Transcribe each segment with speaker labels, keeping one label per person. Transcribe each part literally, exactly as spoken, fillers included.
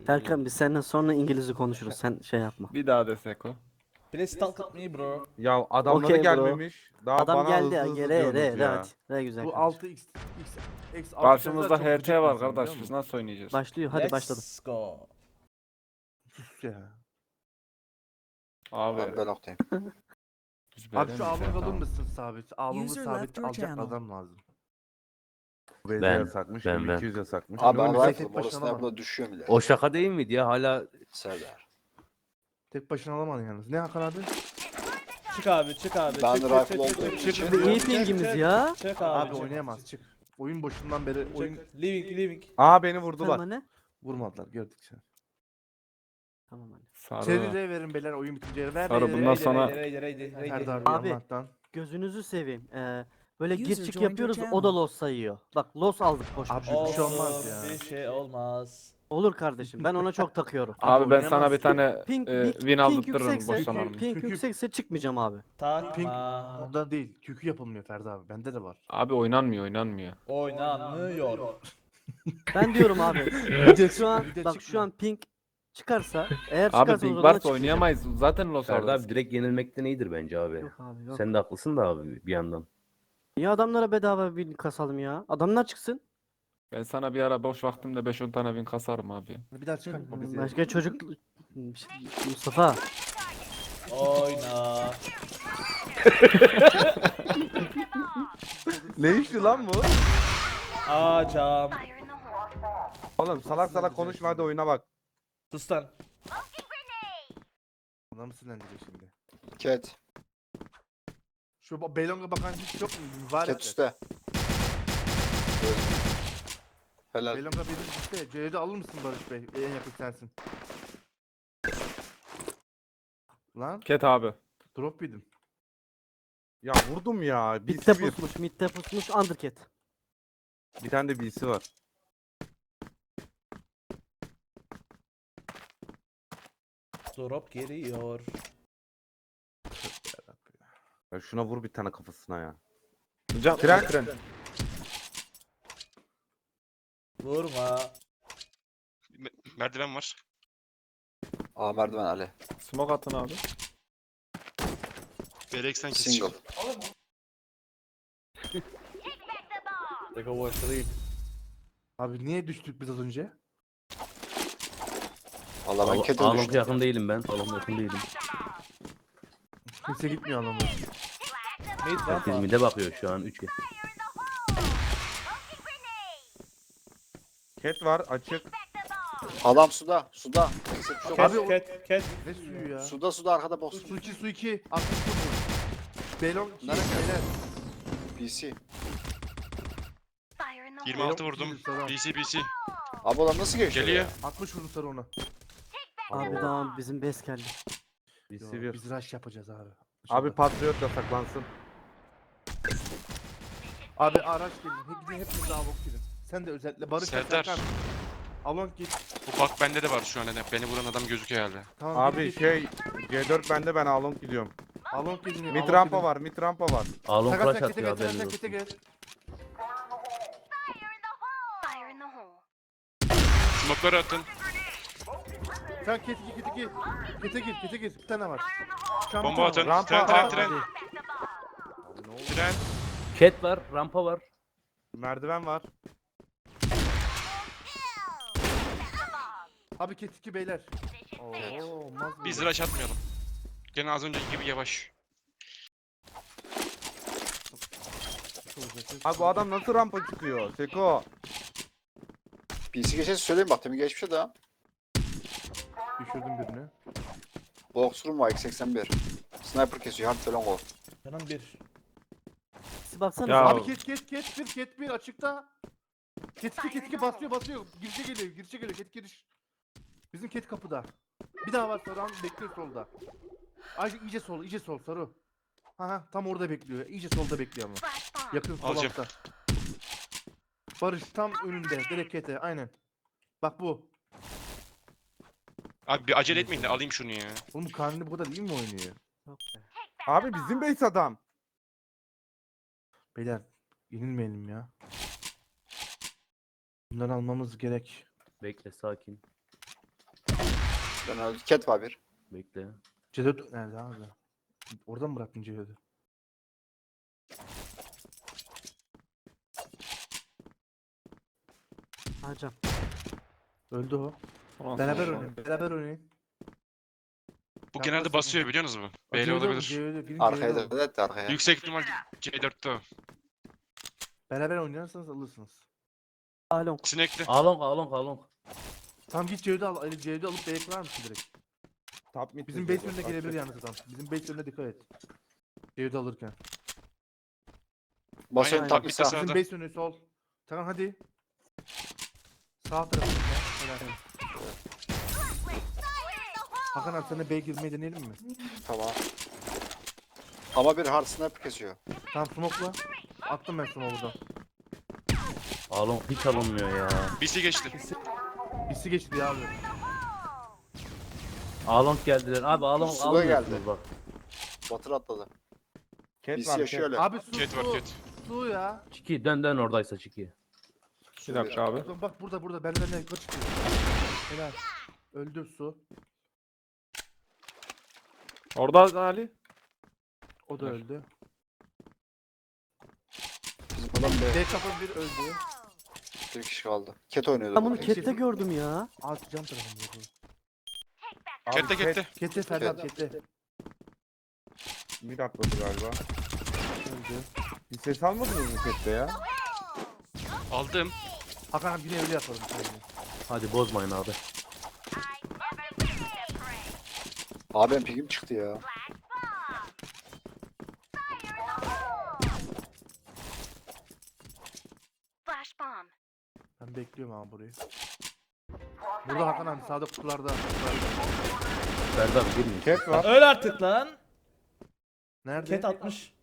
Speaker 1: Serkan biz seninle sonra İngilizce konuşuruz. Sen şey yapma.
Speaker 2: Bir daha desek o.
Speaker 3: Please talk with me bro.
Speaker 4: Ya adamları
Speaker 1: Okey bro.
Speaker 4: gelmemiş. Daha
Speaker 1: Adam
Speaker 4: bana
Speaker 1: geldi
Speaker 4: hızlı
Speaker 1: ya.
Speaker 4: hızlı
Speaker 1: Re
Speaker 4: diyorsunuz
Speaker 1: re re
Speaker 4: ya.
Speaker 1: hadi. Re güzel
Speaker 5: Bu
Speaker 1: kardeşim.
Speaker 5: altı x x x altı
Speaker 2: Karşımızda
Speaker 5: çok
Speaker 2: H
Speaker 5: gıcık
Speaker 2: T var
Speaker 5: insan,
Speaker 2: kardeş.
Speaker 5: biliyor
Speaker 2: Biz
Speaker 5: musun?
Speaker 2: nasıl oynayacağız?
Speaker 1: Başlıyor. Hadi başladım.
Speaker 3: Let's go.
Speaker 5: Sus ya.
Speaker 2: Abi.
Speaker 6: Ben noktayım.
Speaker 2: biz
Speaker 5: Abi
Speaker 2: böyle
Speaker 5: şu
Speaker 2: mi
Speaker 5: alın
Speaker 2: şey
Speaker 5: alır
Speaker 2: yapalım?
Speaker 5: mısın sabit? Alımı
Speaker 7: User
Speaker 5: sabit
Speaker 7: left your
Speaker 5: alacak
Speaker 7: channel.
Speaker 5: adam lazım.
Speaker 4: Ben,
Speaker 8: Ben-
Speaker 4: yasakmış,
Speaker 8: ben- ben.
Speaker 4: iki yüz yasakmış.
Speaker 6: Abi
Speaker 4: Ne
Speaker 6: ben
Speaker 4: oynuyorsun?
Speaker 6: rifle'ım.
Speaker 5: tek başına
Speaker 6: Orası ne
Speaker 5: alamam.
Speaker 6: yapıda düşüyor bile.
Speaker 8: O şaka değil miydi ya? Hala
Speaker 6: Serdar.
Speaker 5: Tek başına alamadın yalnız. Ne Hakan abi?
Speaker 3: Çık abi çık abi.
Speaker 6: Ben
Speaker 3: çık,
Speaker 6: de
Speaker 3: çık,
Speaker 6: rifle
Speaker 3: çık, çık,
Speaker 6: olduğum
Speaker 3: çık,
Speaker 6: için-
Speaker 3: çık,
Speaker 1: Bir iyi
Speaker 3: çık,
Speaker 1: pingimiz
Speaker 3: çık,
Speaker 1: ya.
Speaker 3: Çık abi.
Speaker 5: Abi
Speaker 3: çık,
Speaker 5: oynayamaz
Speaker 3: çık,
Speaker 5: çık. Oyun başından beri
Speaker 3: çık.
Speaker 5: oyun
Speaker 3: Living living.
Speaker 4: Aa beni
Speaker 1: Tamam
Speaker 4: vurdular.
Speaker 1: anne.
Speaker 5: vurmadılar gördük sen.
Speaker 1: Tamam anne.
Speaker 2: Sarı.
Speaker 5: Seri verin beyler oyun bitince ver.
Speaker 2: Sarı,
Speaker 5: ver,
Speaker 2: bundan
Speaker 5: ver,
Speaker 2: sonra-
Speaker 5: ver, ver.
Speaker 3: Ready ready ready.
Speaker 5: Serdar
Speaker 1: Abi.
Speaker 5: abi Allah'tan.
Speaker 1: Gözünüzü seveyim. Ee, böyle
Speaker 7: User
Speaker 1: gir çık
Speaker 7: joined your
Speaker 1: yapıyoruz. O
Speaker 7: channel.
Speaker 1: da loss sayıyor. Bak loss aldık boş
Speaker 5: Abi,
Speaker 1: boş.
Speaker 5: bir şey olmaz
Speaker 3: Olsun,
Speaker 5: ya.
Speaker 3: Bir şey olmaz.
Speaker 1: Olur kardeşim. Ben ona çok takıyorum.
Speaker 2: Abi ben
Speaker 5: oynayamaz
Speaker 2: sana bir
Speaker 5: ki.
Speaker 2: tane
Speaker 1: Ping,
Speaker 2: e,
Speaker 1: ping,
Speaker 2: win
Speaker 1: ping
Speaker 2: aldırtırım
Speaker 1: yüksekse,
Speaker 2: boş zamanımda.
Speaker 1: ping
Speaker 5: Çünkü-
Speaker 1: yüksekse çıkmayacağım abi.
Speaker 3: Takma.
Speaker 5: Ondan değil. Kükü yapılmıyor Ferdi abi. Bende de var.
Speaker 2: Abi oynanmıyor oynanmıyor.
Speaker 3: Oynanmıyor.
Speaker 1: Ben diyorum abi. şu an
Speaker 5: Bir de
Speaker 1: bak şu
Speaker 5: çıkmıyor.
Speaker 1: an ping çıkarsa eğer
Speaker 2: Abi
Speaker 1: çıkarsa o
Speaker 2: ping
Speaker 1: zaman
Speaker 2: varsa
Speaker 1: çıkmayacağım.
Speaker 2: oynayamayız. Zaten loss
Speaker 8: Ferdi
Speaker 2: alırız.
Speaker 8: abi direkt yenilmekten iyidir bence abi.
Speaker 1: Yok abi yok.
Speaker 8: Sen de haklısın da abi bir yandan.
Speaker 1: Niye adamlara bedava bir kasalım ya? Adamlar çıksın.
Speaker 2: Ben sana bir ara boş vaktimde beş on tane win kasarım abi.
Speaker 5: Bir daha çıkartma bizi.
Speaker 1: Başka çocuk Mustafa.
Speaker 3: Oyna.
Speaker 4: Ne işti lan bu?
Speaker 3: Acam.
Speaker 4: Oğlum salak salak konuşma hadi oyuna bak.
Speaker 3: Sus lan.
Speaker 5: Buna mı sinirlendiriyor şimdi?
Speaker 6: Cat.
Speaker 5: Şu ba- Beylong'a bakan hiç yok mu? Var
Speaker 6: Cat üstte. Helal.
Speaker 5: Beylong'a biri üstte. C'de alır mısın Barış Bey? En yakın sensin. Lan
Speaker 2: Ket abi.
Speaker 5: drop yedim.
Speaker 4: Ya vurdum ya.
Speaker 1: Mid'de
Speaker 4: B C bir.
Speaker 1: pusmuş, mid'de pusmuş undercat.
Speaker 4: Bir tane de B C var.
Speaker 3: Drop geliyor.
Speaker 4: Ya şuna vur bir tane kafasına ya.
Speaker 2: Can,
Speaker 4: Tren tren.
Speaker 3: Vurma.
Speaker 9: Merdiven var.
Speaker 6: Aa merdiven Ali.
Speaker 2: smoke atın abi.
Speaker 9: Bereksen
Speaker 6: Single.
Speaker 9: kesici.
Speaker 5: Abi niye düştük biz az önce?
Speaker 6: Valla ben
Speaker 8: Al-
Speaker 6: Cat'e
Speaker 8: Alonka
Speaker 6: düştüm.
Speaker 8: yakın değilim ben. Alonka yakın değilim.
Speaker 5: Kimse gitmiyor anlamı.
Speaker 3: Mid
Speaker 8: Herkes
Speaker 3: rampa.
Speaker 8: mide bakıyor şu an üç.
Speaker 4: Cat var açık.
Speaker 6: Adam suda. Suda. Eksik çok.
Speaker 3: Cat,
Speaker 5: Abi o-
Speaker 3: cat, cat.
Speaker 5: Ne suyu ya?
Speaker 6: Suda suda arkada boss.
Speaker 5: Su iki su iki. altmış vurdu. Beylong iki.
Speaker 6: Nerede?
Speaker 5: Beyler.
Speaker 6: B C.
Speaker 9: yirmi altı vurdum.
Speaker 5: Tamam.
Speaker 9: B C B C.
Speaker 6: Abi adam nasıl geçiyor
Speaker 9: Geliyor.
Speaker 6: ya?
Speaker 5: altmış vurdu sarı ona.
Speaker 1: Abi tamam bizim base geldi.
Speaker 4: B
Speaker 5: Yo,
Speaker 4: C bir.
Speaker 5: biz rush yapacağız abi.
Speaker 4: Abi Patriot yasaklansın.
Speaker 5: Abi araç gelin. Hep gidin hepiniz daha bok gidin. Sen de özellikle Barış ve
Speaker 9: Serdar.
Speaker 5: Serkan. Alon git.
Speaker 9: Bu bak bende de var şu an. Beni vuran adam gözüküyor herhalde.
Speaker 5: Tamam,
Speaker 4: Abi
Speaker 5: git, git.
Speaker 4: şey C dört bende ben Alon gidiyorum.
Speaker 5: Alon gidin.
Speaker 4: Mid rampa var, mid rampa var.
Speaker 8: Alon
Speaker 5: Sakat
Speaker 8: flash
Speaker 5: sen
Speaker 8: atıyor
Speaker 5: kete gel.
Speaker 8: haberiniz
Speaker 5: Sen kete
Speaker 8: olsun.
Speaker 5: gel.
Speaker 9: Smoke'ları atın.
Speaker 5: Sen kete gir kete gir. Kete gir kete gir. Bir tane var. Şu an bir
Speaker 9: Bomba
Speaker 5: tane var.
Speaker 9: atın.
Speaker 4: Rampa
Speaker 9: Tren
Speaker 4: var.
Speaker 9: tren tren. Tren.
Speaker 8: Cat var, rampa var.
Speaker 4: Merdiven var.
Speaker 5: Abi ket iki beyler. Oo, olmaz mı?
Speaker 9: Biz rush atmayalım. Gene az önceki gibi yavaş.
Speaker 4: Abi bu adam nasıl rampa çıkıyor? Seko.
Speaker 6: B C geçesi söyleyeyim bak. Demin geçmiş de.
Speaker 5: Düşürdüm birini.
Speaker 6: Box room var X seksen bir. Sniper kesiyor. Hard falan o.
Speaker 3: Canım bir.
Speaker 1: Siz baksanıza.
Speaker 2: Ya-
Speaker 5: Abi ket ket ket bir ket bir açıkta. Ket iki ket iki basıyor basıyor. Girişe geliyor girişe geliyor ket giriş. Bizim ket kapıda. Bir daha var Saran bekliyor solda. Ay iyice sol iyice sol Saru. Ha ha tam orada bekliyor. İyice solda bekliyor ama. Yakın sol
Speaker 9: Alacağım.
Speaker 5: altta. Barış tam önünde direkt kete aynen. Bak bu.
Speaker 9: Abi bir acele etmeyin de alayım şunu ya.
Speaker 5: Oğlum karnını bu kadar iyi mi oynuyor?
Speaker 1: Yok be.
Speaker 4: Abi bizim base adam.
Speaker 5: Beyler yenilmeyelim ya. Bunları almamız gerek.
Speaker 8: Bekle sakin.
Speaker 6: Ben öldü. Cat var bir.
Speaker 8: Bekle.
Speaker 5: C dört nerede abi? Oradan mı bıraktın C dördü?
Speaker 1: Hacam.
Speaker 5: Öldü o.
Speaker 2: Ulan
Speaker 5: Beraber
Speaker 2: sonra-
Speaker 5: oynayın. Beraber oynayın.
Speaker 9: Bu
Speaker 5: Ya
Speaker 9: genelde
Speaker 5: nasıl-
Speaker 9: basıyor biliyor musunuz mu?
Speaker 5: C
Speaker 9: Böyle
Speaker 5: dört
Speaker 9: olabilir.
Speaker 5: C dört, birinci
Speaker 6: Arkaya
Speaker 5: C dört.
Speaker 6: da evet arkaya.
Speaker 9: Yüksek ihtimal C dörtte o.
Speaker 5: Beraber oynarsanız alırsınız.
Speaker 1: Alon.
Speaker 9: Sinekli.
Speaker 8: Along along along.
Speaker 5: Tamam git C dördü al. Ali C dördü alıp B'ye kırar mısın direkt?
Speaker 4: Top mid.
Speaker 5: Bizim
Speaker 4: dedi,
Speaker 5: base önüne
Speaker 4: bak,
Speaker 5: gelebilir
Speaker 4: bak.
Speaker 5: yalnız adam. Bizim base önüne dikkat et. C dördü alırken.
Speaker 6: Basıyorum
Speaker 9: Aynen,
Speaker 6: tak
Speaker 9: bir
Speaker 6: bir
Speaker 9: de
Speaker 6: sağ.
Speaker 9: sağ-
Speaker 5: Bizim
Speaker 9: Sağda.
Speaker 5: base önü sol. Tamam hadi. Sağ tarafında. Helal. Hakan abi sana B'ye girmeyi deneyelim mi?
Speaker 6: Tamam. Ama bir hard sniper kesiyor.
Speaker 5: Tamam smoke'la. Attım ben smoke'u buradan.
Speaker 8: Along hiç alınmıyor ya.
Speaker 9: B C geçti.
Speaker 5: Birisi geçti ya abi.
Speaker 8: Along geldiler. Abi along
Speaker 6: Suda
Speaker 8: almıyorsunuz
Speaker 6: geldi.
Speaker 8: bak.
Speaker 6: Batır atladı.
Speaker 4: Cat
Speaker 6: Biz
Speaker 4: var.
Speaker 6: yaşıyor
Speaker 4: Cat.
Speaker 6: öyle.
Speaker 5: Abi su
Speaker 9: Cat var
Speaker 5: su.
Speaker 9: cat.
Speaker 5: Su ya.
Speaker 8: Çiki dön dön oradaysa Çiki.
Speaker 2: Bir dakika abi.
Speaker 5: Bakın bak burada burada benden ne yukarı çıkıyor. Helal. Öldü su.
Speaker 2: Orada Ali.
Speaker 5: O da
Speaker 2: Helal.
Speaker 5: öldü.
Speaker 6: Bizim adam B.
Speaker 5: D kapı bir öldü.
Speaker 6: Bir kişi kaldı. Cat oynuyordu.
Speaker 1: Ben bunu
Speaker 6: burada.
Speaker 1: Cat'te gördüm ya.
Speaker 5: Alt cam tarafında bu.
Speaker 4: Abi,
Speaker 9: Cat'te
Speaker 4: Cat
Speaker 9: cat'te.
Speaker 5: Kete Ferhat kete.
Speaker 4: mid atladı galiba.
Speaker 5: Öldü.
Speaker 4: Bir ses almadınız mı Cat'te ya?
Speaker 9: Aldım.
Speaker 5: Hakan abi yine öyle yapalım.
Speaker 8: Hadi bozmayın abi.
Speaker 6: Abi benim pingim çıktı ya.
Speaker 7: Flash bomb.
Speaker 5: Ben bekliyorum abi burayı. Burada Hakan abi sağda kutularda.
Speaker 8: Ferdi abi girmeyin.
Speaker 4: Cat var.
Speaker 3: Öl artık lan.
Speaker 5: Nerede?
Speaker 3: Cat atmış.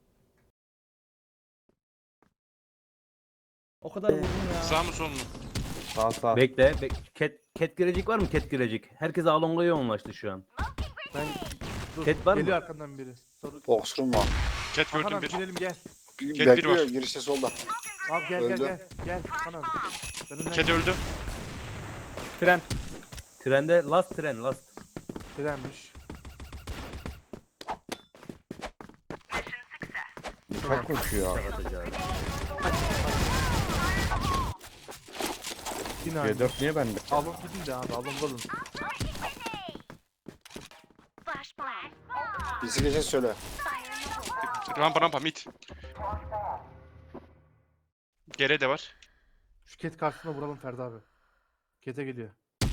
Speaker 3: O kadar vurdum ya.
Speaker 9: Sağ mı sol mu?
Speaker 4: Sağ sağ.
Speaker 8: Bekle. Bek cat, cat girecek var mı? Cat girecek. Herkes Along'a yoğunlaştı şu an.
Speaker 5: Ben dur.
Speaker 8: Cat var mı?
Speaker 5: Geliyor arkandan biri. Soru.
Speaker 6: Boxroom var.
Speaker 9: Cat
Speaker 5: Hakan
Speaker 9: gördüm
Speaker 5: abi
Speaker 9: bir.
Speaker 5: girelim gel.
Speaker 6: Bir
Speaker 9: Cat bir
Speaker 6: bekliyor
Speaker 9: var.
Speaker 6: girişte solda.
Speaker 5: Abi gel
Speaker 6: Öldü.
Speaker 5: gel gel. Gel Hakan abi. Ben önden
Speaker 9: Cat öldü.
Speaker 2: Tren.
Speaker 8: Trende last tren last.
Speaker 5: Direnmiş.
Speaker 4: Çok koşuyor.
Speaker 8: Atacağız.
Speaker 5: Yine
Speaker 4: C
Speaker 5: aynı.
Speaker 4: dört niye bende?
Speaker 5: Alın gidin de abi alın alın.
Speaker 7: Flash bomb.
Speaker 6: Birisi geçe söyle.
Speaker 7: Fire in the hole.
Speaker 9: Rampa rampa mid. Gere de var.
Speaker 5: Şu ket karşısına vuralım Ferdi abi. Kete geliyor.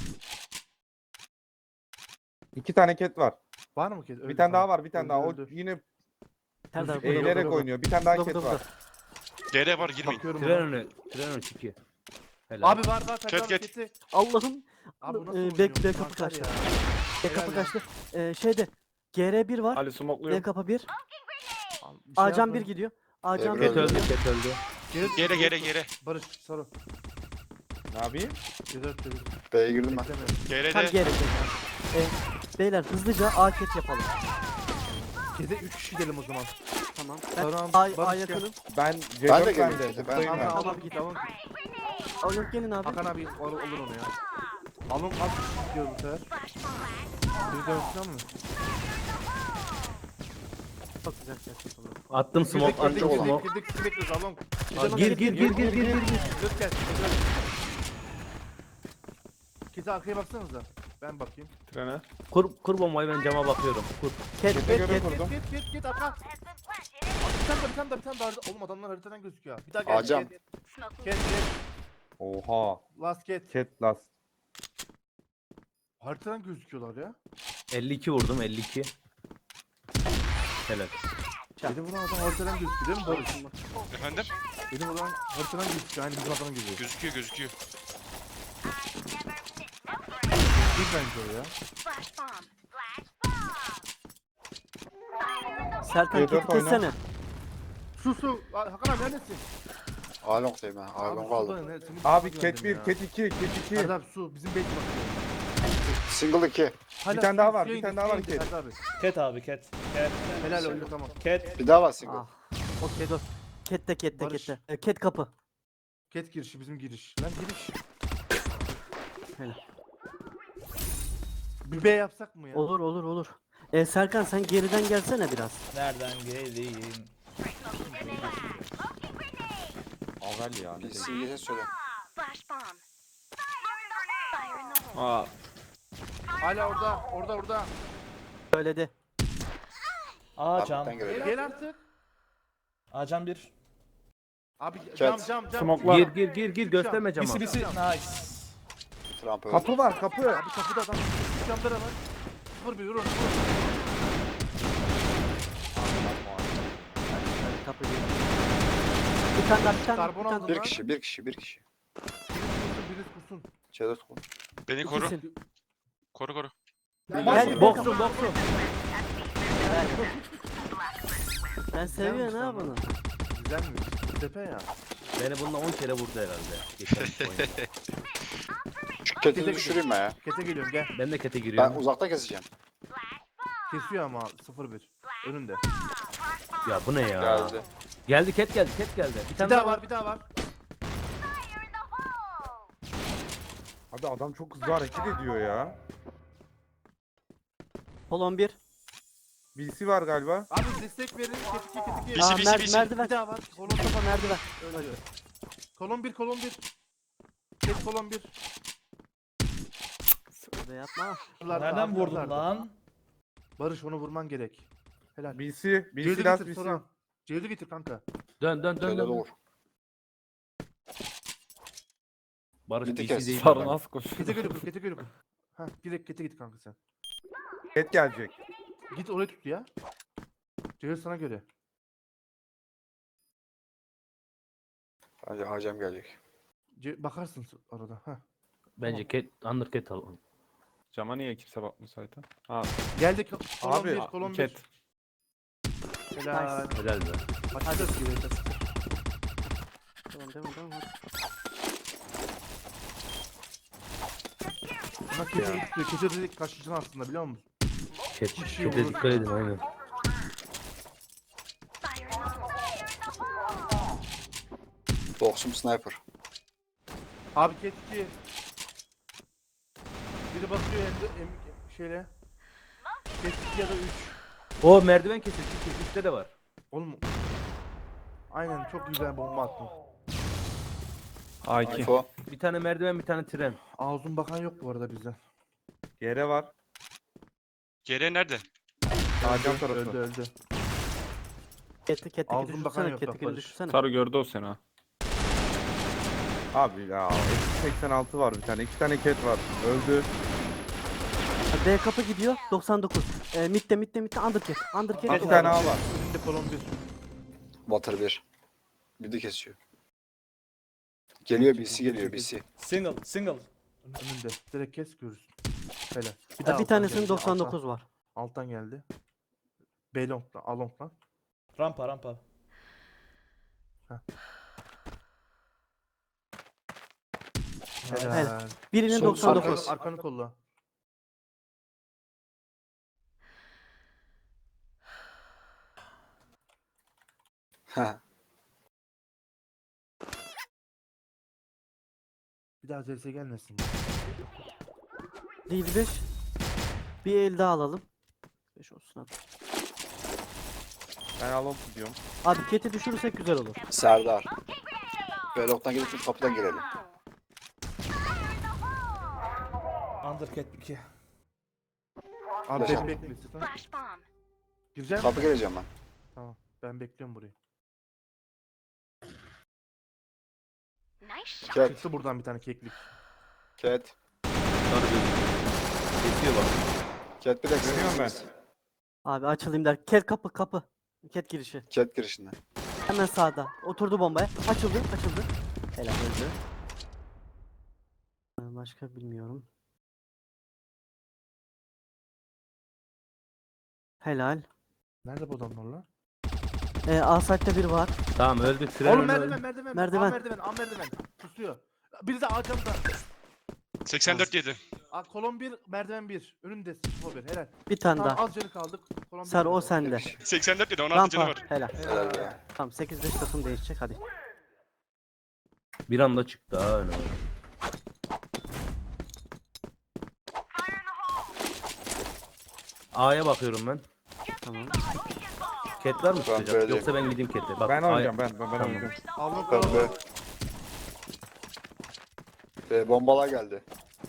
Speaker 4: İki tane Cat var.
Speaker 5: Var mı ket? Öldü,
Speaker 4: Bir tane daha
Speaker 5: tamam.
Speaker 4: var, bir tane
Speaker 5: Öldü,
Speaker 4: daha. O
Speaker 5: öldü.
Speaker 4: yine
Speaker 1: Nerede abi?
Speaker 5: Burada,
Speaker 1: Burada,
Speaker 4: eğilerek
Speaker 5: burada.
Speaker 4: oynuyor. Bir tane daha
Speaker 1: burada,
Speaker 4: Cat
Speaker 1: burada,
Speaker 4: var.
Speaker 1: burada.
Speaker 9: Gere var girmeyin.
Speaker 5: Bakıyorum
Speaker 8: Tren
Speaker 5: ona.
Speaker 8: önü. Tren önü Çiki. Helal.
Speaker 5: Abi var var Ferdi
Speaker 9: Ket,
Speaker 5: abi
Speaker 9: ket.
Speaker 5: keti.
Speaker 1: Allah'ım.
Speaker 5: Abi bu nasıl
Speaker 1: Ee,
Speaker 5: oynuyor?
Speaker 1: bek- bek kapı
Speaker 5: Mantar
Speaker 1: kaçtı.
Speaker 5: ya.
Speaker 1: E kapı
Speaker 5: Helal
Speaker 1: kaçtı. Ee, şeyde. G R bir var.
Speaker 2: Ali
Speaker 1: B
Speaker 2: smokluyor.
Speaker 1: kapı bir.
Speaker 5: Abi, bir şey
Speaker 1: Acan bir
Speaker 5: yapmayın.
Speaker 1: gidiyor. Acan
Speaker 6: Ebru
Speaker 1: bir
Speaker 8: Cat öldü.
Speaker 1: gidiyor.
Speaker 8: Cat öldü.
Speaker 5: Geri-
Speaker 9: Gere gere gere.
Speaker 5: Barış sarı.
Speaker 4: Ne yapayım?
Speaker 5: Cedört cedört.
Speaker 6: B'ye girdim ben.
Speaker 5: Beklemiyorum.
Speaker 9: Gere
Speaker 1: Tam
Speaker 9: de.
Speaker 1: G R. Ee, beyler hızlıca A ket yapalım.
Speaker 5: Kete üç kişi gidelim o zaman.
Speaker 1: Tamam. Ben
Speaker 5: Tamam,
Speaker 1: A, A
Speaker 5: Barış gel.
Speaker 1: yakınım.
Speaker 4: Ben
Speaker 6: Ben de
Speaker 4: C dört
Speaker 6: geleyim
Speaker 4: bende.
Speaker 6: Cat'e, ben-
Speaker 4: Zıplayayım ben.
Speaker 5: Hakan al git alın.
Speaker 1: Alın gelin abi.
Speaker 5: Hakan abi al, alır onu ya. Alın az kişi gidiyor bu sefer.
Speaker 7: Flash bomb.
Speaker 5: Bir dönsün mü?
Speaker 1: Çok güzel ses yapalım.
Speaker 8: Attım smoke.
Speaker 5: Girdik girdik
Speaker 8: Attım
Speaker 6: olan.
Speaker 5: girdik
Speaker 8: smoke.
Speaker 5: girdik girdik bekliyoruz alın.
Speaker 8: Aa, Gir gir gir gir gir gir.
Speaker 5: Dört gel. Cedört. Kete arkaya baksanıza. Ben bakayım.
Speaker 2: Trene.
Speaker 8: Kur, kur bombayı ben cama bakıyorum. Kur.
Speaker 1: Ket
Speaker 4: Cat'e
Speaker 1: ket
Speaker 4: göre
Speaker 1: ket.
Speaker 4: kurdum.
Speaker 5: Git git git arka.
Speaker 7: Has been planted.
Speaker 5: Bir tane daha bir tane daha bir tane daha. Oğlum adamlar haritadan gözüküyor. Bir daha gel.
Speaker 6: Acam.
Speaker 5: Get
Speaker 7: Smoking.
Speaker 5: get get.
Speaker 4: Oha.
Speaker 5: Last get.
Speaker 4: Cat last.
Speaker 5: Haritadan gözüküyorlar ya.
Speaker 8: elli iki vurdum elli iki. Helal.
Speaker 5: Benim buradan adam haritadan gözüküyor değil mi Barış?
Speaker 9: Efendim?
Speaker 5: Benim buradan haritadan gözüküyor. Aynı bizim adamın gözüküyor.
Speaker 9: Gözüküyor gözüküyor.
Speaker 5: Bir bence o ya.
Speaker 7: Flash bomb. Flash bomb. Fire in the hole.
Speaker 1: Serkan
Speaker 4: C dört
Speaker 1: keti
Speaker 4: oyna.
Speaker 1: kessene.
Speaker 5: Su su. Aa, Hakan abi neredesin?
Speaker 6: A long'dayım ben. A long aldım.
Speaker 4: Abi Cat bir, Cat iki, Cat iki.
Speaker 5: Ferdi abi su. Bizim bekle bakıyor.
Speaker 6: Single iki.
Speaker 5: Hala
Speaker 4: tane daha
Speaker 5: su-
Speaker 4: var,
Speaker 5: suya
Speaker 4: bir
Speaker 5: indi,
Speaker 4: tane daha
Speaker 5: suya
Speaker 4: var
Speaker 5: indi
Speaker 4: Cat.
Speaker 5: Ferdi abi.
Speaker 3: Cat abi cat. Cat.
Speaker 5: Helal öldü tamam.
Speaker 3: Cat.
Speaker 6: Bir daha var single.
Speaker 1: Ah. O ket o. Kette kette
Speaker 5: Barış.
Speaker 1: kette. Ee, ket kapı.
Speaker 5: Ket girişi bizim giriş. Lan giriş.
Speaker 1: Helal.
Speaker 5: Bir B yapsak mı ya?
Speaker 1: Olur olur olur. E, Serkan sen geriden gelsene biraz.
Speaker 3: Nereden geleyim?
Speaker 4: Avel ya. ne
Speaker 6: Bir
Speaker 4: diyeyim.
Speaker 6: simgeye söyle.
Speaker 7: Flash bomb. Fire in the hole.
Speaker 2: Aa,
Speaker 5: Hala orada, orada, orada.
Speaker 1: Söyledi.
Speaker 3: A cam.
Speaker 6: Harbiden görelim.
Speaker 5: Gel artık.
Speaker 3: A cam bir.
Speaker 5: Abi cam
Speaker 6: Cat.
Speaker 5: cam cam.
Speaker 2: smoke'lar.
Speaker 8: Gir gir gir gir gösterme cama.
Speaker 3: Bisi bisi. Nice.
Speaker 6: Trump öldü.
Speaker 4: Kapı var kapı.
Speaker 5: Abi kapıda adam. Camda da var. Vur bir vur onu. Vur.
Speaker 1: Hadi kapı gir. Bir tane daha bir tane. daha,
Speaker 5: Karbon
Speaker 1: bir tane
Speaker 5: aldım
Speaker 6: Bir
Speaker 5: lan.
Speaker 6: kişi, bir kişi, bir kişi.
Speaker 5: Biriniz kursun.
Speaker 6: C dört kol.
Speaker 9: Beni koru.
Speaker 1: İkisin.
Speaker 9: Koru koru.
Speaker 1: Gel
Speaker 8: Boksun boksun.
Speaker 1: Ben seviyorum
Speaker 5: Güzelmiş
Speaker 1: ha
Speaker 5: lan bu.
Speaker 1: bunu.
Speaker 5: Güzel mi? Tepe ya.
Speaker 8: Beni bununla on kere vurdu herhalde. Geçen oyunda.
Speaker 6: Şu ketini düşüreyim ben ya.
Speaker 5: Kete geliyorum gel.
Speaker 8: Ben de kete
Speaker 6: Ben
Speaker 8: giriyorum.
Speaker 6: uzakta keseceğim.
Speaker 5: Kesiyor ama sıfır bir. Önünde.
Speaker 8: Ya bu ne ya?
Speaker 6: Geldi.
Speaker 8: Geldi ket geldi ket geldi. Bir
Speaker 5: Bir
Speaker 8: tane
Speaker 5: daha
Speaker 8: daha
Speaker 5: var, bir daha var.
Speaker 7: Fire in the hole.
Speaker 4: Abi adam çok hızlı hareket ediyor ya.
Speaker 1: Kolon bir.
Speaker 4: B C var galiba.
Speaker 5: Abi destek verin. Ket iki, ket iki.
Speaker 9: Bisi,
Speaker 1: Aa,
Speaker 9: bisi,
Speaker 1: mer-
Speaker 9: bisi.
Speaker 1: merdiven.
Speaker 5: Bir daha var. Kolon
Speaker 1: Mustafa merdiven.
Speaker 5: Öyle. Kolon bir, kolon bir. Ket kolon bir.
Speaker 1: Öyle yapma.
Speaker 5: Buralarda,
Speaker 3: Nereden
Speaker 5: abi,
Speaker 3: vurdun
Speaker 5: buralarda.
Speaker 3: lan?
Speaker 5: Barış onu vurman gerek. Helal.
Speaker 4: B C. B
Speaker 5: Ceydi
Speaker 4: C last
Speaker 5: getir
Speaker 4: B C.
Speaker 5: sonra. Ceydi getir kanka.
Speaker 8: dön dön
Speaker 6: C
Speaker 8: dön
Speaker 6: dört
Speaker 8: dön.
Speaker 6: vur.
Speaker 8: Barış
Speaker 6: Bir
Speaker 8: B
Speaker 6: tek
Speaker 8: C
Speaker 6: kes.
Speaker 8: değil.
Speaker 2: sarı nasıl koşuyor?
Speaker 5: Kete gülü kur, kete gülü kur. Ha, direkt kete git kanka sen.
Speaker 4: Ket gelecek.
Speaker 5: Git oraya tut ya. Ceydi sana göre.
Speaker 6: Hacı hacem gelecek.
Speaker 5: Ce bakarsın arada. Ha.
Speaker 8: Bence ket under ket al.
Speaker 2: Cama niye kimse bakmıyor zaten? Ha,
Speaker 5: Geldi ko- kolon
Speaker 4: Abi,
Speaker 5: bir, kolon bir.
Speaker 2: ket.
Speaker 5: Helal.
Speaker 8: Helal be.
Speaker 5: Açacağız gibi.
Speaker 1: Tamam devam devam. hadi.
Speaker 5: Buna kete gitti. Kete dedik kaçıcın aslında biliyor musun?
Speaker 8: Ket,
Speaker 5: Bir şey
Speaker 8: kete
Speaker 5: olur.
Speaker 8: dikkat edin aynen.
Speaker 7: Fire in the hole.
Speaker 6: Boksum sniper.
Speaker 5: Abi ket iki. Biri basıyor hem de em, şeyle. Ket iki ya da üç.
Speaker 8: O merdiven kesildi. Üstte de var.
Speaker 5: Oğlum. Aynen çok güzel bomba attın.
Speaker 2: A iki.
Speaker 6: Info.
Speaker 8: Bir tane merdiven bir tane tren.
Speaker 5: Ağzın bakan yok bu arada bizden.
Speaker 4: Yere var.
Speaker 9: Geri nerede?
Speaker 4: Ağacam tarafı.
Speaker 5: Öldü öldü.
Speaker 1: Keti keti
Speaker 5: Ağzın bakan
Speaker 1: düşürsene.
Speaker 5: yok
Speaker 1: Keti
Speaker 5: bak
Speaker 1: keti
Speaker 5: Barış.
Speaker 1: düşürsene.
Speaker 2: Sarı gördü o seni ha.
Speaker 4: Abi ya. eksi seksen altı var bir tane. İki tane ket var. Öldü.
Speaker 1: D kapı gidiyor. doksan dokuz. E, midde midde midde undercat. Undercat.
Speaker 4: Bir tane A var.
Speaker 5: Önünde kolon bir.
Speaker 6: Water bir. Bir de kesiyor. Geliyor B C geliyor B C.
Speaker 3: Single, single.
Speaker 5: Önünde. Direkt kes görürsün. Helal.
Speaker 1: Bir,
Speaker 5: daha
Speaker 1: bir
Speaker 5: alttan
Speaker 1: tanesinin
Speaker 5: geldi,
Speaker 1: doksan
Speaker 5: alttan-
Speaker 1: dokuz var.
Speaker 5: Alttan geldi. B long'dan, A long'dan.
Speaker 3: Rampa, rampa.
Speaker 5: Helal.
Speaker 1: Helal. Birinin
Speaker 6: Sol-
Speaker 1: doksan
Speaker 6: sol-
Speaker 1: dokuz.
Speaker 5: Arkanı, arkanı kolla.
Speaker 6: Ha.
Speaker 5: Bir daha C S gelmesin.
Speaker 1: Değil beş. Bir el daha alalım. beş olsun hadi.
Speaker 4: Ben alon gidiyorum.
Speaker 1: Abi keti düşürürsek güzel olur.
Speaker 6: Serdar. Velok'tan gelip şu kapıdan girelim.
Speaker 3: Undercat iki.
Speaker 5: Abi
Speaker 6: Yaşa.
Speaker 5: ben bekle istiyorsan.
Speaker 7: Flash bomb.
Speaker 5: Girecek
Speaker 6: Kapı
Speaker 5: misin?
Speaker 6: geleceğim ben.
Speaker 5: Tamam. Ben bekliyorum burayı.
Speaker 7: Nice shot.
Speaker 6: Ket.
Speaker 5: Çıktı buradan bir tane keklik.
Speaker 6: Ket.
Speaker 8: Sarı gözüküyor. Kesiyor bak.
Speaker 6: Ket bir de
Speaker 4: Görüyorum ben.
Speaker 1: Abi açılayım der. Ket kapı kapı. Ket girişi.
Speaker 6: Ket girişinde.
Speaker 1: Hemen sağda. Oturdu bombaya. Açıldı açıldı. Helal öldü. Ee, Başka bilmiyorum. Helal.
Speaker 5: Nerede bu adamlar lan?
Speaker 1: Ee, A site'de bir var.
Speaker 8: Tamam öldü tren
Speaker 5: Oğlum
Speaker 8: öldü.
Speaker 5: merdiven merdiven.
Speaker 1: Merdiven.
Speaker 5: A merdiven. A merdiven. Tutuyor. Biri de A camda.
Speaker 9: seksen dört yedi.
Speaker 5: A kolon bir, merdiven bir. Önünde sıfır bir. Helal.
Speaker 1: Bir tane
Speaker 5: Tamam
Speaker 1: daha.
Speaker 5: az canı kaldık. Kolon bir
Speaker 1: Sar o
Speaker 5: kaldı.
Speaker 1: sende.
Speaker 9: seksen dört yedi. on altı canı
Speaker 1: Rampa.
Speaker 9: var.
Speaker 1: Helal.
Speaker 6: Helal be.
Speaker 1: Tamam sekiz beş takım değişecek hadi.
Speaker 8: Bir anda çıktı ha öyle. A'ya bakıyorum ben.
Speaker 1: Tamam.
Speaker 8: Cat var mı
Speaker 6: Ben
Speaker 8: tutacak?
Speaker 6: B'deyim.
Speaker 8: Yoksa ben gideyim Cat'e. Bak,
Speaker 4: Ben
Speaker 8: A'ya-
Speaker 4: oynayacağım ben. Ben, ben
Speaker 8: Tamam.
Speaker 4: oynayacağım.
Speaker 5: Alın
Speaker 6: Ben
Speaker 5: kal.
Speaker 6: B. B bombalar geldi.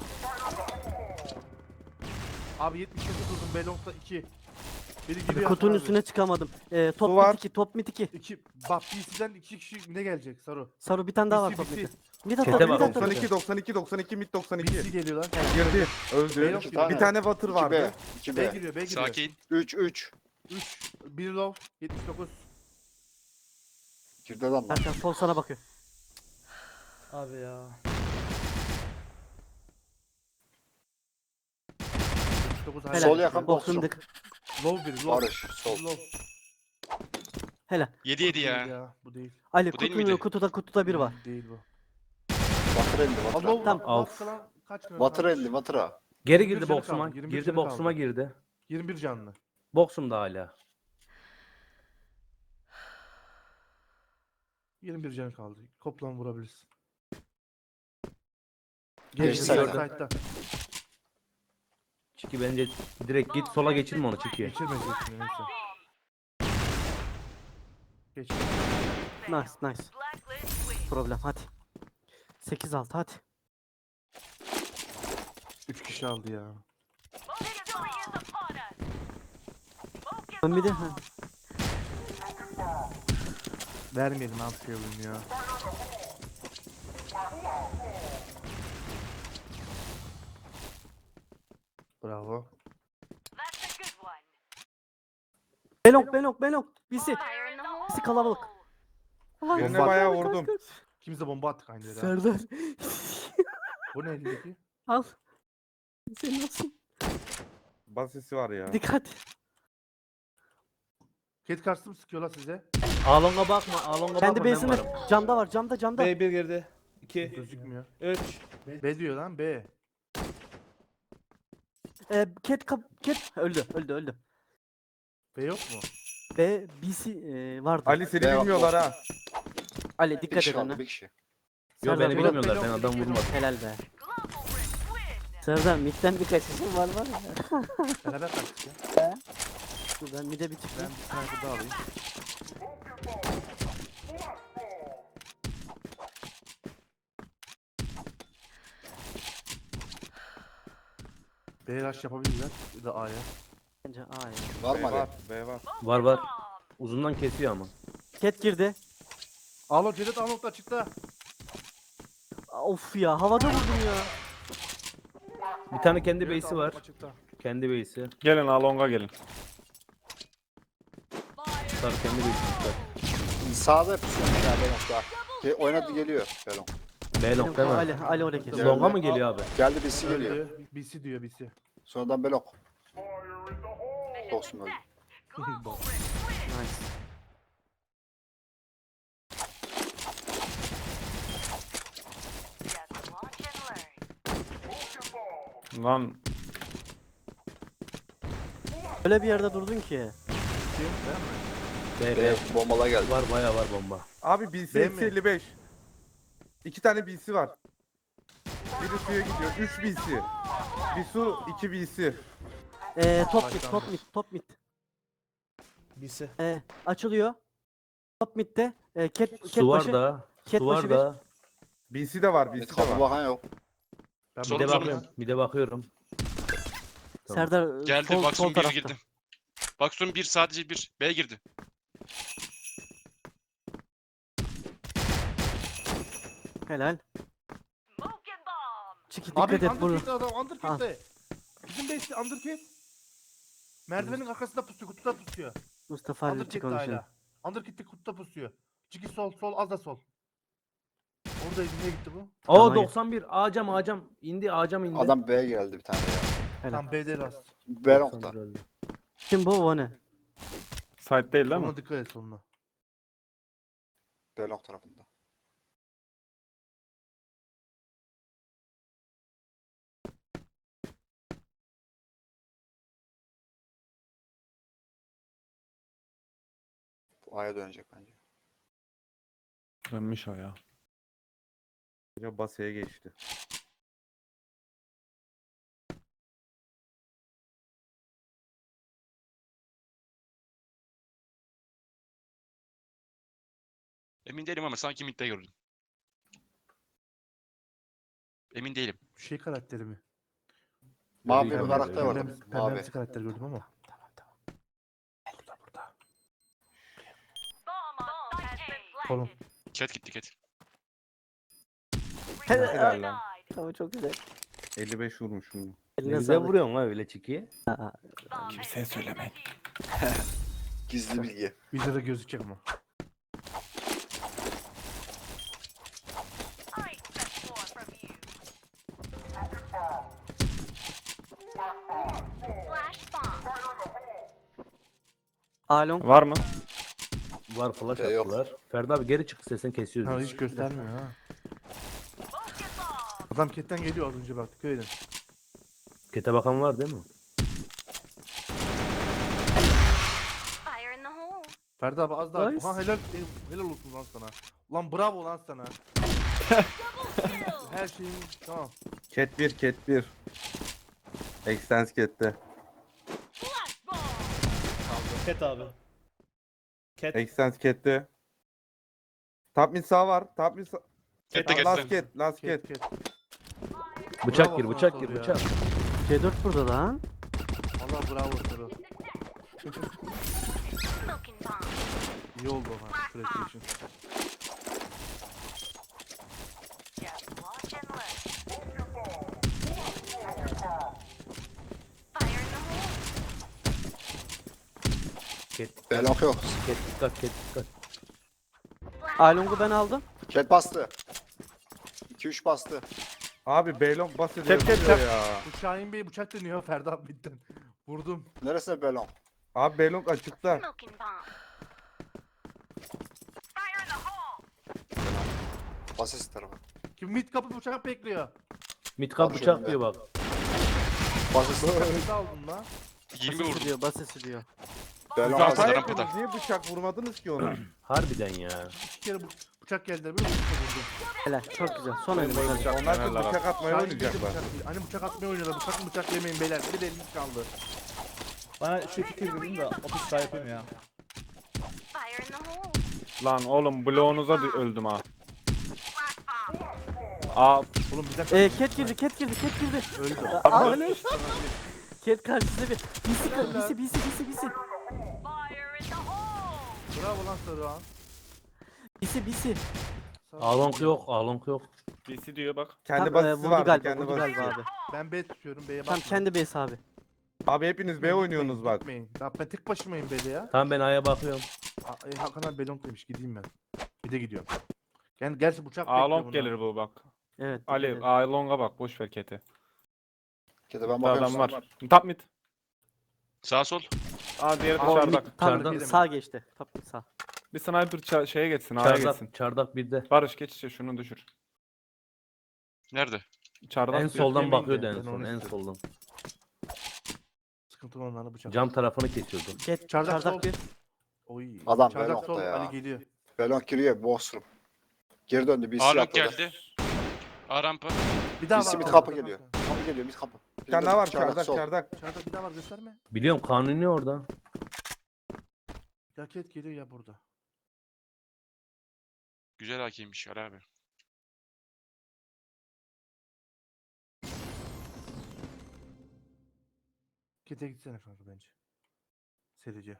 Speaker 5: Abi yetmiş dokuz vurdum. Belong'da iki. Biri
Speaker 1: Abi
Speaker 5: giriyor.
Speaker 1: kutunun
Speaker 5: Hasan abi.
Speaker 1: üstüne çıkamadım. Ee, top
Speaker 4: Su var.
Speaker 1: mid iki, top mid iki.
Speaker 5: İki. Bak B C'den iki kişi ne gelecek Saru?
Speaker 1: Saru bir tane daha var
Speaker 5: B C,
Speaker 1: top
Speaker 5: B C.
Speaker 1: mid'de. Bir de
Speaker 8: Kete
Speaker 1: top, bir
Speaker 8: bak.
Speaker 1: de top.
Speaker 4: doksan iki doksan iki doksan iki mid doksan
Speaker 5: B
Speaker 4: iki.
Speaker 5: C geliyorlar.
Speaker 4: Girdi. Öldü.
Speaker 5: Beyler-
Speaker 6: İki tane.
Speaker 4: Bir tane water
Speaker 6: İki B.
Speaker 4: vardı.
Speaker 6: iki
Speaker 5: B
Speaker 6: B.
Speaker 5: giriyor, B giriyor.
Speaker 9: Sakin.
Speaker 6: üç üç.
Speaker 5: üç. bir low. yetmiş dokuz.
Speaker 6: Girdi adamlar.
Speaker 1: Erkan sol sana bakıyor.
Speaker 3: Abi ya.
Speaker 5: yetmiş dokuz hala.
Speaker 6: Sol yakın box
Speaker 1: Box'un
Speaker 6: yok.
Speaker 1: dık.
Speaker 5: Low bir, low.
Speaker 6: Barış sol.
Speaker 5: Low.
Speaker 1: Helal.
Speaker 9: yedi yedi
Speaker 5: Değil
Speaker 9: ya.
Speaker 5: Bu değil.
Speaker 1: Ali
Speaker 9: Bu değil
Speaker 1: kutunun
Speaker 9: miydi?
Speaker 1: kutuda kutuda bir var.
Speaker 5: Değil bu.
Speaker 6: Batır elli
Speaker 5: Al
Speaker 6: Batır.
Speaker 5: low.
Speaker 1: Tamam.
Speaker 5: Al,
Speaker 8: Of.
Speaker 5: falan kaç mı?
Speaker 6: Batır elli Batır'a.
Speaker 8: Geri
Speaker 5: yirmi bir
Speaker 8: girdi
Speaker 5: canı
Speaker 8: boksuma.
Speaker 5: kaldı, yirmi bir
Speaker 8: Girdi
Speaker 5: canı
Speaker 8: boksuma
Speaker 5: kaldı.
Speaker 8: girdi.
Speaker 5: yirmi bir canlı.
Speaker 8: Boksumda hala.
Speaker 5: yirmi bir can kaldı. Koplan vurabilirsin.
Speaker 6: Geç
Speaker 5: Geçti
Speaker 6: sayıda.
Speaker 5: sayda.
Speaker 8: Çiki bence direkt git sola geçirme onu Çiki.
Speaker 5: Geçirmeyeceksin neyse. Geç.
Speaker 1: Nice nice. Problem hadi. sekiz altı hadi.
Speaker 5: üç kişi aldı ya.
Speaker 1: Ben bir de ha.
Speaker 5: Vermeyelim abi şey oyun ya. Bravo.
Speaker 1: Belok belok belok. Bisi. Bisi kalabalık. Ulan,
Speaker 4: Birine
Speaker 5: Bomba-
Speaker 4: bayağı
Speaker 1: kaç, kaç,
Speaker 4: vurdum.
Speaker 1: kaç.
Speaker 5: Kimse bomba attık aynı yere. ha.
Speaker 1: Serdar.
Speaker 5: Bu ne elindeki?
Speaker 1: Al. Senin olsun.
Speaker 4: Basisi var ya.
Speaker 1: Dikkat.
Speaker 5: Ket karşı mı sıkıyorlar size?
Speaker 8: Alonga bakma. Alonga
Speaker 1: Kendi
Speaker 8: bakma ben
Speaker 1: base'inde
Speaker 8: varım.
Speaker 1: camda var camda camda.
Speaker 3: B bir girdi. iki.
Speaker 5: Gözükmüyor.
Speaker 3: üç.
Speaker 5: B diyor lan B.
Speaker 1: Ee, cat kap cat öldü öldü öldü.
Speaker 5: B yok mu?
Speaker 1: B B C e, vardı.
Speaker 4: Ali seni
Speaker 6: Beyaz
Speaker 4: bilmiyorlar ha.
Speaker 1: Ali
Speaker 6: Bir
Speaker 1: dikkat
Speaker 6: kişi
Speaker 1: et
Speaker 6: kaldı
Speaker 1: önüne.
Speaker 6: bir kişi.
Speaker 8: Yo
Speaker 1: Serdar,
Speaker 8: beni
Speaker 1: biraz
Speaker 8: bilmiyorlar. Ben
Speaker 5: belok,
Speaker 8: adam
Speaker 5: belok.
Speaker 8: vurmadım.
Speaker 1: Helal be. Serdar midden bir kaçışım var var ya.
Speaker 5: Beraber kaçtık ya.
Speaker 1: Dur ben mide bir
Speaker 5: Ben
Speaker 1: çıkayım.
Speaker 5: bir sniper daha alayım. B rush yapabilirler. Ya da A'ya.
Speaker 1: Bence A ya.
Speaker 6: Var
Speaker 4: B
Speaker 6: mı
Speaker 4: var.
Speaker 6: Ali?
Speaker 4: B var.
Speaker 8: Var var. Uzundan kesiyor ama.
Speaker 1: Cat girdi.
Speaker 5: Alo Cedet Anok'ta açıkta.
Speaker 1: Of ya havada vurdum ya.
Speaker 8: Bir tane kendi
Speaker 5: Cedet
Speaker 8: base'i
Speaker 5: Anok
Speaker 8: var.
Speaker 5: açıkta.
Speaker 8: Kendi base'i.
Speaker 2: Gelin Alonga gelin.
Speaker 8: Sarı kendi base'i çıkar.
Speaker 6: Sağda pusuyormuş ya Belong'da. Ge- Oynadı geliyor Belong.
Speaker 8: Belong değil
Speaker 1: Ali
Speaker 8: mi?
Speaker 1: Ali oraya kesiyor.
Speaker 8: Longa mı geliyor abi?
Speaker 6: Geldi birisi geliyor.
Speaker 5: Öldü. B C diyor B C.
Speaker 6: Sonradan Belong. Olsun öldü.
Speaker 1: Nice.
Speaker 2: Lan
Speaker 1: Öyle bir yerde durdun ki.
Speaker 8: B, B.
Speaker 6: B bombalar geldi.
Speaker 8: Var bayağı var bomba.
Speaker 4: Abi B C
Speaker 5: B mi?
Speaker 4: eksi elli beş. İki tane B C var. Biri suya gidiyor. üç B C. Bir su, iki B C.
Speaker 1: Ee, top mid top mid top mid.
Speaker 3: Birisi.
Speaker 1: Ee, açılıyor. Top midde. Ee, cat, cat
Speaker 8: Su var
Speaker 1: başı.
Speaker 8: da.
Speaker 1: Cat
Speaker 8: Su
Speaker 1: başı
Speaker 8: var
Speaker 1: bir.
Speaker 8: da.
Speaker 4: B C de var, B
Speaker 6: Evet,
Speaker 4: C de
Speaker 6: kapı
Speaker 4: var.
Speaker 6: bakan yok.
Speaker 5: Ben
Speaker 9: Sol-
Speaker 8: Bir de
Speaker 9: Sorun
Speaker 8: bakıyorum. Bir de bakıyorum. Tamam.
Speaker 1: Serdar e,
Speaker 9: Geldi
Speaker 1: sol, sol
Speaker 9: Baksum bir
Speaker 1: tarafta.
Speaker 9: girdi. Baksum bir sadece bir. B girdi.
Speaker 1: Helal. Çiki
Speaker 5: Abi
Speaker 1: dikkat et bunu.
Speaker 5: Underkit'te adam Underkit'te. Bizim base'de Underkit. Merdivenin arkasında pusuyor, kutuda pusuyor.
Speaker 1: Mustafa Ali çık
Speaker 5: Underkit'te
Speaker 1: konuşalım.
Speaker 5: hala. Underkit'te kutuda pusuyor. Çiki sol, sol, az da sol. Oradaydı, nereye gitti bu?
Speaker 8: Oo
Speaker 1: Tamam.
Speaker 8: doksan bir. Ağacam ağacam. İndi ağacam indi.
Speaker 6: Adam B'ye geldi bir tane ya.
Speaker 1: Helal.
Speaker 5: Tam B'de rast.
Speaker 6: Belong'da.
Speaker 8: doksan bir öldü.
Speaker 1: Kim bu o ne?
Speaker 2: site değil değil mi?
Speaker 5: Ona dikkat et sonuna.
Speaker 6: Belong tarafında. Bu A'ya dönecek bence.
Speaker 2: Dönmüş o ya.
Speaker 4: Ya basaya geçti.
Speaker 9: Emin değilim ama sanki midde gördüm. Emin değilim.
Speaker 5: Şey karakteri mi?
Speaker 6: Mavi bir
Speaker 8: Pembe-
Speaker 6: karakter vardı.
Speaker 5: Pembemsi,
Speaker 6: Mavi.
Speaker 5: pembemsi karakter gördüm ama. Tamam tamam. Burada burada.
Speaker 7: Bomb has been
Speaker 5: Kolum.
Speaker 7: planted.
Speaker 9: Cat gitti cat.
Speaker 4: Helal lan.
Speaker 1: Tamam çok güzel.
Speaker 4: elli beş vurmuşum.
Speaker 8: Ne
Speaker 1: Eline
Speaker 8: güzel
Speaker 1: sağlık.
Speaker 8: vuruyorsun ha öyle çikiye.
Speaker 7: Bomb
Speaker 2: Kimseye
Speaker 7: has been
Speaker 2: söylemeyin.
Speaker 7: defused.
Speaker 6: Gizli bilgi.
Speaker 5: Videoda gözükecek ama.
Speaker 7: I expect more from you. Flash bomb.
Speaker 1: Alon.
Speaker 2: Var mı?
Speaker 8: Var flash
Speaker 6: Ee, yok.
Speaker 8: attılar. Ferdi abi geri çık sesini kesiyoruz.
Speaker 5: Ha
Speaker 8: biz.
Speaker 5: hiç göstermiyor ha.
Speaker 7: Focus bomb.
Speaker 5: Adam ketten geliyor az önce bak. Dikkat edin.
Speaker 8: Kete bakan var değil mi?
Speaker 7: Fire in the hole.
Speaker 5: Ferdi abi az daha.
Speaker 1: Nice.
Speaker 5: Ha helal helal olsun lan sana. Lan bravo lan sana. Her şeyin tamam.
Speaker 4: Cat bir, cat bir. Extens cat'te.
Speaker 7: Flash bomb.
Speaker 3: Cat abi. Cat.
Speaker 4: Extens cat'te. Top mid sağ var. Top mid sağ.
Speaker 9: Cat'te
Speaker 4: Aa, Last
Speaker 9: cat'te.
Speaker 4: cat, last cat.
Speaker 5: Ket ket.
Speaker 8: Bıçak
Speaker 5: Bravo
Speaker 8: gir
Speaker 5: sana
Speaker 8: bıçak
Speaker 5: soru
Speaker 8: gir
Speaker 5: ya.
Speaker 8: bıçak.
Speaker 1: C dört burada lan.
Speaker 5: Allah bravo soru.
Speaker 7: Smoking bomb.
Speaker 5: İyi oldu ama. PlayStation.
Speaker 7: Just watch and learn. Fire in the hole.
Speaker 8: Ket
Speaker 6: Belok yok.
Speaker 8: ket dikkat ket dikkat.
Speaker 7: Flash
Speaker 1: Along'u ben aldım.
Speaker 6: Cat bastı. iki üç bastı.
Speaker 4: Abi Beylong bas ediyor
Speaker 2: Cat, cat,
Speaker 4: vuruyor
Speaker 2: cat.
Speaker 4: ya.
Speaker 5: Bu Şahin Bey bıçak dönüyor Ferdi abi bitten. Vurdum.
Speaker 6: Neresine belon?
Speaker 4: Abi Beylong açıkta.
Speaker 7: Smoking bomb. Fire in the hole.
Speaker 6: Basis tarafı.
Speaker 5: Kim mid kapı bıçak bekliyor.
Speaker 8: Mitkap
Speaker 6: Bak
Speaker 8: bıçak
Speaker 6: şöyle.
Speaker 8: diyor bak.
Speaker 6: Basis tarafı.
Speaker 5: Ne aldın lan?
Speaker 9: yirmi
Speaker 1: Basesi
Speaker 9: vurdum.
Speaker 1: diyor, basesi diyor.
Speaker 6: Belon
Speaker 9: Zaten
Speaker 6: hazır.
Speaker 9: adam-
Speaker 4: Hata yaptınız, niye bıçak vurmadınız ki onu?
Speaker 8: Harbiden ya.
Speaker 5: İki kere bu bıçak geldi. Bir bıçak vurdum.
Speaker 1: Helal çok güzel. Son
Speaker 2: Benim
Speaker 1: elime
Speaker 2: bıçak-
Speaker 1: geldi.
Speaker 4: Onlar da
Speaker 2: Helal
Speaker 4: bıçak atmaya
Speaker 5: Şahin Bey de
Speaker 4: oynayacaklar.
Speaker 5: bıçak değil. Hani bıçak atmaya oynuyorlar. Bıçak mı bıçak yemeyin beyler. Bir de eliniz kaldı.
Speaker 3: Bana şu fikir verin de otuz daha yapayım ya.
Speaker 7: Fire in the hole.
Speaker 2: Lan oğlum bloğunuza dü- öldüm ha.
Speaker 7: Flash bomb.
Speaker 2: Aa
Speaker 5: Oğlum bir dakika.
Speaker 1: Ee, cat girdi, cat girdi, cat girdi.
Speaker 5: Öldü.
Speaker 1: Aa öyle. Cat karşısında bir. Bisi, bisi, bisi, bisi, bisi.
Speaker 7: Fire in the hole.
Speaker 5: Bravo lan Saruhan.
Speaker 1: Bisi, bisi.
Speaker 8: Alonk yok alonk yok.
Speaker 2: B C diyor bak.
Speaker 4: Kendi
Speaker 1: Tam, e,
Speaker 4: basisi
Speaker 1: vurdu
Speaker 4: vardı,
Speaker 1: galiba,
Speaker 4: kendi
Speaker 1: vurdu
Speaker 4: basisi.
Speaker 1: galiba abi.
Speaker 5: Ben B tutuyorum. B'ye
Speaker 1: Tam
Speaker 5: bakma.
Speaker 1: kendi base abi.
Speaker 4: Abi hepiniz B oynuyorsunuz bak.
Speaker 5: Gitmeyin. Ya ben tek başımayım B'de ya.
Speaker 8: Tamam ben A'ya bakıyorum.
Speaker 5: Aa, e, Hakan abi Belong demiş. Gideyim ben. Bir de gidiyorum. Yani gerçi bıçak
Speaker 2: A
Speaker 5: bekliyor
Speaker 2: long
Speaker 5: bunlar.
Speaker 2: gelir bu bak.
Speaker 1: Evet.
Speaker 2: Ali
Speaker 1: evet.
Speaker 2: A long'a bak boş ver Cat'e.
Speaker 6: Cat'e ben
Speaker 2: Bir
Speaker 6: bakıyorum.
Speaker 2: adam
Speaker 6: sana.
Speaker 2: var. Top mid.
Speaker 9: Sağ sol.
Speaker 2: Aa diğeri
Speaker 1: Aa,
Speaker 2: dışarıda.
Speaker 1: mid- Tam
Speaker 8: Dışarıda.
Speaker 1: sağ geçti. Top mid sağ.
Speaker 2: Bir sniper ça- şeye geçsin A'ya geçsin.
Speaker 8: Çardak, çardak birde.
Speaker 2: Barış geç işte şunu düşür.
Speaker 9: Nerede?
Speaker 2: Çardak
Speaker 8: En
Speaker 2: diyor,
Speaker 8: soldan
Speaker 2: yemeyin
Speaker 8: bakıyordu
Speaker 2: de.
Speaker 8: en
Speaker 5: Ben
Speaker 8: son
Speaker 5: onu
Speaker 8: en
Speaker 5: istiyorum.
Speaker 8: soldan.
Speaker 5: Sıkıntı olanlarla bıçak.
Speaker 8: Cam tarafını kesiyordu.
Speaker 1: Cat,
Speaker 5: Çardak
Speaker 1: çardak,
Speaker 5: sol.
Speaker 1: bir.
Speaker 5: Oy.
Speaker 6: Adam
Speaker 5: Çardak
Speaker 6: Belong'da
Speaker 5: sol.
Speaker 6: ya.
Speaker 5: Ali geliyor.
Speaker 6: Belon giriyor. Bossroom. Geri döndü. B C
Speaker 9: A long
Speaker 6: atladı.
Speaker 9: geldi. A rampa.
Speaker 5: Bir daha
Speaker 6: B C
Speaker 5: var.
Speaker 6: mid
Speaker 5: abi,
Speaker 6: kapı
Speaker 5: orada
Speaker 6: geliyor.
Speaker 5: bak.
Speaker 6: Kapı geliyor. Mid kapı.
Speaker 4: Bir tane daha var
Speaker 6: Çardak
Speaker 4: çardak
Speaker 6: sol.
Speaker 4: çardak.
Speaker 5: Çardak bir daha var gösterme.
Speaker 8: Biliyorum kanuni orada.
Speaker 5: Ya ket geliyor ya burada.
Speaker 9: Güzel hakeymiş Ali abi.
Speaker 5: Kete gitsene kanka bence. Serici.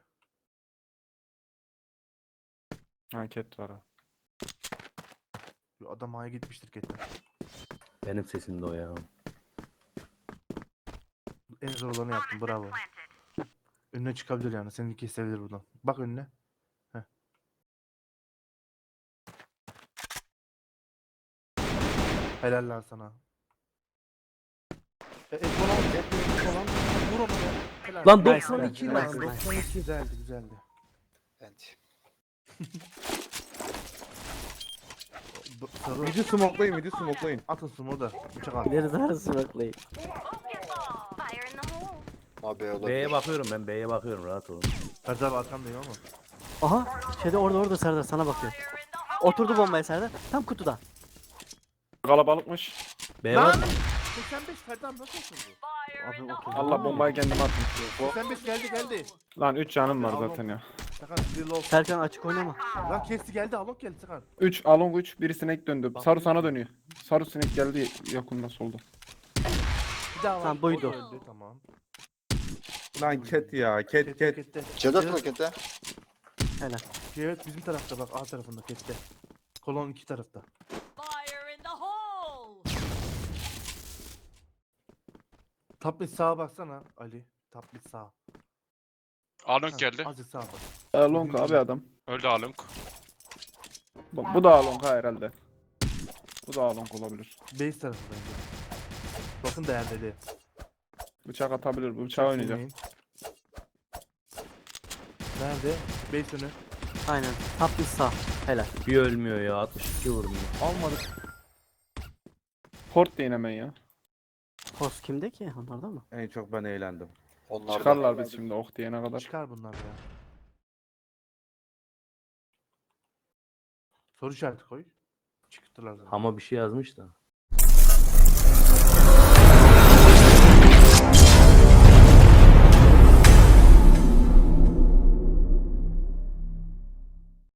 Speaker 2: Ha Cat var ha.
Speaker 5: Yo, Adam A'ya gitmiştir ketten.
Speaker 8: Benim sesim de o ya.
Speaker 5: En zor olanı yaptım bravo. Önüne çıkabilir yani. Seni kesebilir buradan. Bak önüne. Heh. Helal lan sana. E, et falan, et et falan. Vur onu ya. Helal.
Speaker 8: Lan
Speaker 5: Nice,
Speaker 8: doksan iki
Speaker 5: nice,
Speaker 8: lan.
Speaker 5: nice, doksan iki güzeldi güzeldi.
Speaker 6: Evet.
Speaker 5: Bu- Sarı.
Speaker 4: Midi smoklayın, midi smoklayın.
Speaker 5: Atın sumo da. Bıçak at.
Speaker 1: İleri arası baklayın.
Speaker 7: Focus bomb. Fire in the hole.
Speaker 6: Abi B olabilir.
Speaker 8: B'ye bakıyorum ben B'ye bakıyorum rahat olun.
Speaker 5: Ferdi abi arkandayım ama.
Speaker 1: Aha. Şeyde orada orada Serdar sana bakıyor.
Speaker 7: Fire in the hole.
Speaker 1: Oturdu bombaya Serdar. Tam kutuda.
Speaker 2: Kalabalıkmış.
Speaker 8: B var mı?
Speaker 5: seksen beş Ferdi abi nasıl olsun bu?
Speaker 7: Fire in
Speaker 1: Abi
Speaker 7: the
Speaker 1: oturdu.
Speaker 7: hole.
Speaker 2: Allah bombayı kendim attım.
Speaker 5: seksen beş geldi geldi.
Speaker 2: Lan üç canım var
Speaker 5: Al
Speaker 2: zaten ya.
Speaker 5: Sakar bir low.
Speaker 1: Serkan açık oynama.
Speaker 5: Lan kesti geldi Alok geldi Sakar.
Speaker 2: üç Along üç. Biri sinek döndü.
Speaker 5: Bak-
Speaker 2: Sarı sana dönüyor. Sarı sinek geldi yakında solda.
Speaker 5: Bir daha var.
Speaker 1: Tamam, buydu.
Speaker 5: O da öldü, tamam.
Speaker 4: Lan ket ya ket
Speaker 5: Ket
Speaker 4: ket.
Speaker 5: kette.
Speaker 6: C dört
Speaker 5: Evet.
Speaker 6: pakette.
Speaker 1: Helal.
Speaker 5: Evet bizim tarafta bak A tarafında kette. Kolon iki tarafta.
Speaker 7: Fire in the hole!
Speaker 5: Top mid sağa baksana Ali. Top mid sağa.
Speaker 9: Along
Speaker 5: Ha,
Speaker 2: Ah.
Speaker 9: geldi.
Speaker 5: Azıcık sağa bak.
Speaker 2: Along abi adam.
Speaker 9: Öldü Along.
Speaker 2: Bak bu da Along ha herhalde. Bu da Along olabilir.
Speaker 5: Base tarafı bence. Bakın değerleri.
Speaker 2: Bıçak atabilir. Bu bıçağı oynayacak.
Speaker 5: Silmeyin. Nerede? Base önü.
Speaker 1: Aynen. Top bir sağ. Helal.
Speaker 8: Bir ölmüyor ya. altmış iki vurdum. ya.
Speaker 5: Almadık.
Speaker 2: Port deyin hemen ya.
Speaker 1: Post kimde ki? Onlarda mı?
Speaker 4: En çok ben eğlendim.
Speaker 6: Onlar da.
Speaker 2: Çıkarlar biz şimdi ok diyene kadar.
Speaker 5: Çıkar bunlar ya. Soru işareti koy. Çıktılar zaten.
Speaker 8: Ama bir şey yazmış da.